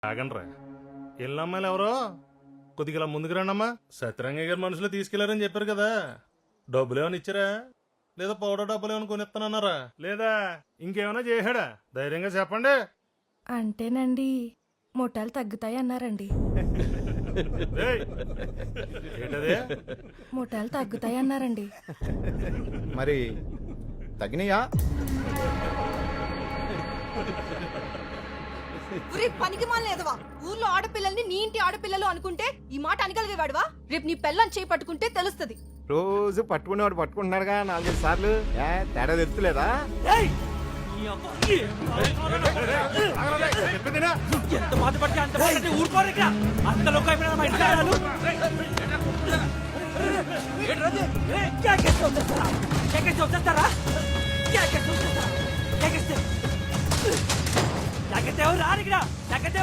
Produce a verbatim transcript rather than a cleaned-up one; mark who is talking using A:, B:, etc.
A: ఆగండ్రా ఎల్లమ్మాయిలు ఎవరో కొద్దిగా ఇలా ముందుకు రండమ్మా. సత్యరంగయ్య గారు మనుషులు తీసుకెళ్లారని చెప్పారు కదా, డబ్బులు ఏమైనా ఇచ్చారా లేదా పౌడర్ డబ్బులు ఏమైనా కొనిస్తానన్నారా లేదా ఇంకేమైనా చేశాడా? ధైర్యంగా చెప్పండి.
B: అంటేనండి ముఠాలు తగ్గుతాయి అన్నారండి.
A: ఏయ్, ఏంటది?
B: ముఠాలు తగ్గుతాయి అన్నారండి.
C: మరి తగినయా?
D: పనికి మాలేదవా, ఊర్లో ఆడపిల్లల్ని నీ ఇంటి ఆడపిల్లలు అనుకుంటే ఈ మాట అనగలిగేవాడువా? రేపు నీ పెళ్ళని చేయి పట్టుకుంటే తెలుస్తుంది.
C: రోజు పట్టుకునేవాడు పట్టుకుంటున్నాడుగా నాలుగైదు సార్లు. ఏ తేడా తెలుస్తలేదా?
E: ఎంత బాధపడితే అంత బాధపడితే ఊరుకోరు ఇక్కడ. అంత లోకం అయిపోయినా మా ఇంట్లో రాలు. ఏ, క్యాకేస్తే వచ్చేస్తారా? క్యాకేస్తే వచ్చేస్తారా? క్యాకేస్తే వచ్చేస్తారా? క్యాకేస్తే క్యాకేస్తే ఎవరు రారు ఇక్కడ. క్యాకేస్తే